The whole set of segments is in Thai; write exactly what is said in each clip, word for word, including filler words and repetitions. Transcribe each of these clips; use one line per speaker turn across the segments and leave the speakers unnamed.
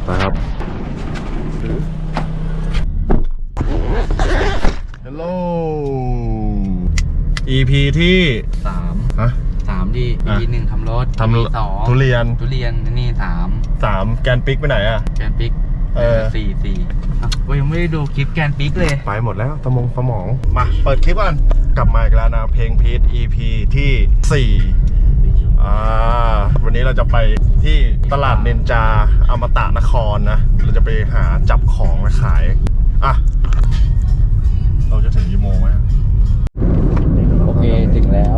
นะครับ ฮัลโหล อี พี ที่
สาม
ฮะ
สามดี
อ่ะ
อีหนึ่งทำรถ
ทำ
สอง
ทุเรียน
ทุเรียนนี่สาม
สามแกนปิกไปไหนอ่ะ
แกนปิก
เออ
สี่สี่อ่ะกูยังไม่ได้ดูคลิปแกนปิกเลย
ไปหมดแล้วสมองสมอง มาเปิดคลิปกันกลับมาอีกแล้วนะเพลงพีท อี พี ที่สี่อ่าวันนี้เราจะไปที่ตลาดเนนจาอมตะนครนะ เราจะไปหาจับของมาขาย อ่ะ เราจะถึงกี่โมงไหม
โอเคถึงแล้ว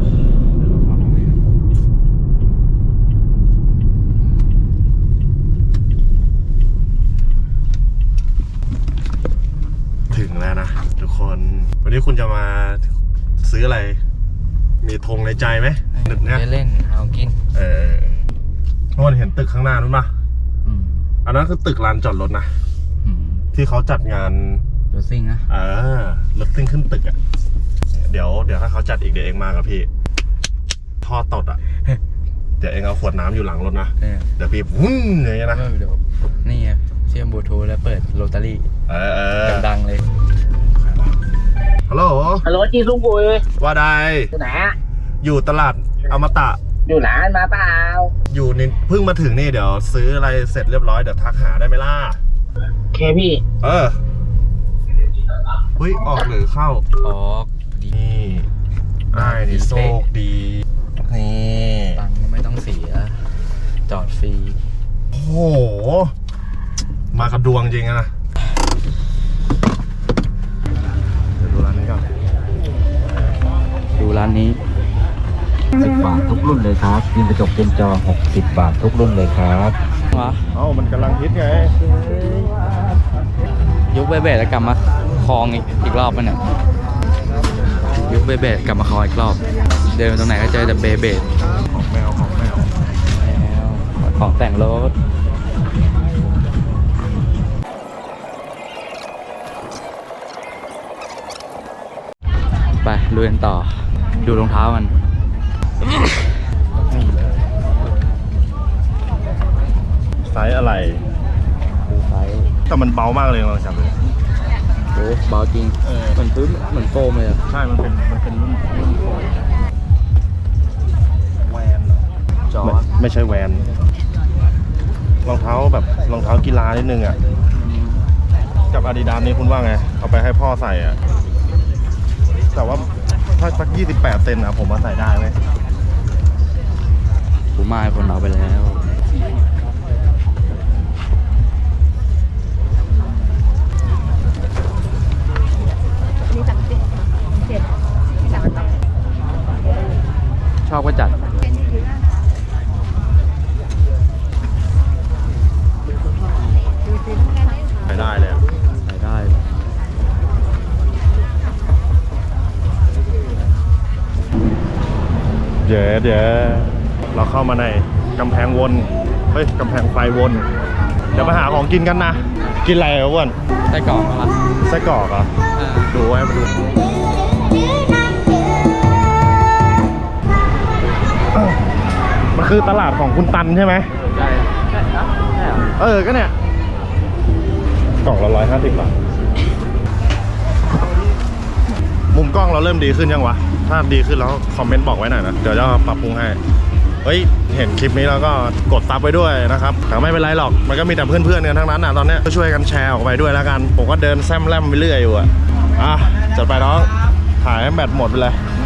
ถึงแล้วนะทุกคน วันนี้คุณจะมาซื้ออะไร มีธงในใจไหมนึกเนี่ย
เล่นเอากิน
เออทุกคนเห็นตึกข้างหน้านู้นปะ
อืม
อันนั้นคือตึกลานจอดรถนะ
อืม
ที่เขาจัดงาน
รถซิ่งนะ
เออรถซิ่งขึ้นตึกอ่ะ เดี๋ยวเดี๋ยวถ้าเขาจัดอีกเดี๋ยวเองมากับพี่ ท่อตดอ่ะ เดี๋ยวเองเอาขวดน้ำอยู่หลังรถนะ
เออ
เดี๋ยวพี่วุ้นอย่างเงี้ยนะ
ไม่เดี๋ยวนี่ไงเชื่อมบลูทูธแล้วเปิดโรตารี่
เออเออ
ดังๆเลย
ฮัลโหล
ฮัลโหลจีซุงกุย
ว่าใด
อยู่ไหนอะ
อยู่ตลาดอมตะ
อยู่ร้านมาเปล่า
อยู่นี่เพิ่งมาถึงนี่เดี๋ยวซื้ออะไรเสร็จเรียบร้อยเดี๋ยวทักหาได้ไหมล่ะ
โอเคพี่
เออเฮ้ยออกหรือเข้า
ออกดี
นี่ไอ้ายนี่โชคดี นี่
ตังค์ก็ไม่ต้องเสีย จอดฟรี
โอ้โห มากับดวงจริงอะนะ เดี๋ยวดูร้านนี้ก่อน
ดูร้านนี้
สิบบาททุกรุ่นเลยครับยิงกระจกเต็มจอหกสิบบาททุกรุ่นเลยครับ
วะ
เอ้ามันกำลังฮิตไง
ยุคเบเบดแล้วกลับมาคลองอีกอีกรอบมันเนี่ยยุคเบเบดกลับมาคลองอีกรอบ เดินไปตรงไหนก็เจอแต่เบเบด
ของแมวของแมว
แล้วของแต่งรถไปลุยกันต่อ ดูรองเท้ามัน
นี่เลยไซส์อะไร
ดูไซส์
แต่มันเบามากเลยลองจับเลย
โอ้เบาจริง
เออ
เหมือนพื้นเหมือนโฟมเลยอะ
ใช่ มันเป็น มันเป็นรุ่นรุ่นโฟมแวนเหรอ
จอ
ไม่
ร์จ
ไม่ใช่แวน รองเท้าแบบรองเท้ากีฬานิดนึงอ่ะ กับอาดิดาสนี่คุณว่าไง เอาไปให้พ่อใส่อ่ะ แต่ว่าถ้าสักยี่สิบแปดเซนอ่ะ ผมมาใส่ได้ไหม
กูมาให้คนเอาไปแล้ว
นี่สั่งเจ็ดเจ็ดที่สั่งต่อ
ชอบก็จัด
เป็นที่ดีมากดูสิแค่นี้
ใส่ได้เลยอะ
ใส่ได้
เดี๋ยวเดี๋ยวเราเข้ามาในกำแพงวน เฮ้ยกำแพงไฟวน เดี๋ยวมาหาของกินกันนะ กินอะไรอ่ะอ้วน
ไส้กรอกอะไร
ไส้กรอกเหรอ
อ่า
ดูไว้มาดู มันคือตลาดของคุณตันใช่ไหม
ใช่ใช่เหรอใช่เหรอ
เออ ก็เนี่ย กล่องละร้อยห้าสิบบาท มุมกล้องเราเริ่มดีขึ้นยังวะ ถ้าดีขึ้นแล้วคอมเมนต์บอกไว้หน่อยนะ เดี๋ยวจะปรับปรุงให้ เฮ้ย เห็นคลิปนี้แล้วก็กดซับไว้ด้วยนะครับ แต่ไม่เป็นไรหรอก มันก็มีแต่เพื่อนๆกันทั้งนั้นอ่ะ ตอนเนี้ยก็ช่วยกันแชร์ออกไปด้วยแล้วกัน ผมก็เดินแซมแลมไปเรื่อยอยู่อ่ะ อ่ะ จัดไปน้อง ถ่ายให้แบตหมดไปเลย